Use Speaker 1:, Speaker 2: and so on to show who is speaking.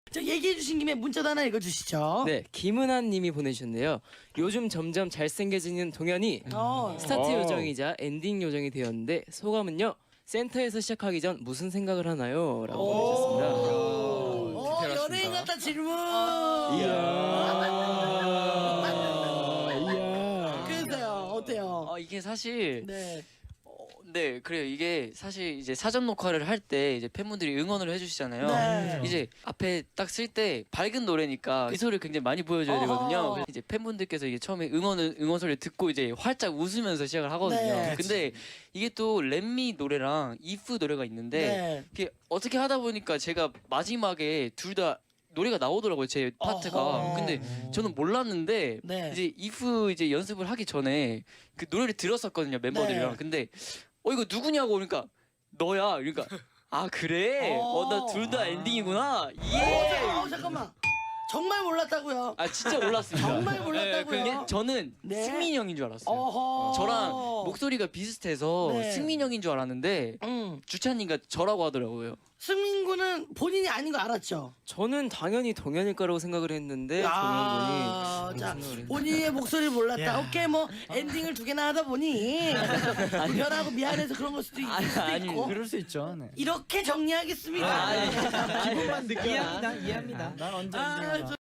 Speaker 1: 저 얘기해 주신 김에 문자도 하나 읽어주시죠.
Speaker 2: 네, 김은한 님이 보내주셨네요. 요즘 점점 잘생겨지는 동현이 스타트 요정이자 엔딩 요정이 되었는데 소감은요? 센터에서 시작하기 전 무슨 생각을 하나요? 라고 보내주셨습니다.
Speaker 1: 연예인 같다 질문. 그래서요, 어때요?
Speaker 3: 이게 사실
Speaker 1: 네.
Speaker 3: 네 그래요. 이게 사실 이제 사전 녹화를 할 때 이제 팬분들이 응원을 해주시잖아요.
Speaker 1: 네.
Speaker 3: 이제 앞에 딱 쓸 때 밝은 노래니까 미소를 굉장히 많이 보여줘야 되거든요. 그래서 이제 팬분들께서 이게 처음에 응원 소리를 듣고 이제 활짝 웃으면서 시작을 하거든요.
Speaker 1: 네.
Speaker 3: 근데 이게 또 렛미 노래랑 이프 노래가 있는데
Speaker 1: 네.
Speaker 3: 이게 어떻게 하다 보니까 제가 마지막에 둘 다 노래가 나오더라고요, 제 파트가.
Speaker 1: 어허.
Speaker 3: 근데 저는 몰랐는데
Speaker 1: 네.
Speaker 3: 이제 이프 이제 연습을 하기 전에 그 노래를 들었었거든요, 멤버들이랑.
Speaker 1: 네.
Speaker 3: 근데 이거 누구냐고 그러니까 너야. 그러니까 아 그래? 나 둘 다 엔딩이구나. 예.
Speaker 1: 잠깐만. 정말 몰랐다고요.
Speaker 3: 아 진짜 몰랐습니다.
Speaker 1: 정말 몰랐다고요.
Speaker 3: 그게 저는
Speaker 1: 네.
Speaker 3: 승민이 형인 줄 알았어요.
Speaker 1: 어허.
Speaker 3: 저랑 목소리가 비슷해서
Speaker 1: 네.
Speaker 3: 승민이 형인 줄 알았는데 주찬이가 저라고 하더라고요.
Speaker 1: 승민 군은 본인이 아닌 거 알았죠?
Speaker 2: 저는 당연히 동현일 거라고 생각을 했는데
Speaker 1: 아,
Speaker 2: 동현
Speaker 1: 자,
Speaker 2: 분이 무슨 생각을
Speaker 1: 본인의 목소리를 몰랐다. 오케이, 뭐 엔딩을 2개나 하다 보니 불편하고 미안해서 그런 걸 수도 있을 수도 있고.
Speaker 4: 그럴 수 있죠. 네.
Speaker 1: 이렇게 정리하겠습니다.
Speaker 4: 기분만 느껴. 이해합니다. 난 언제
Speaker 1: 아,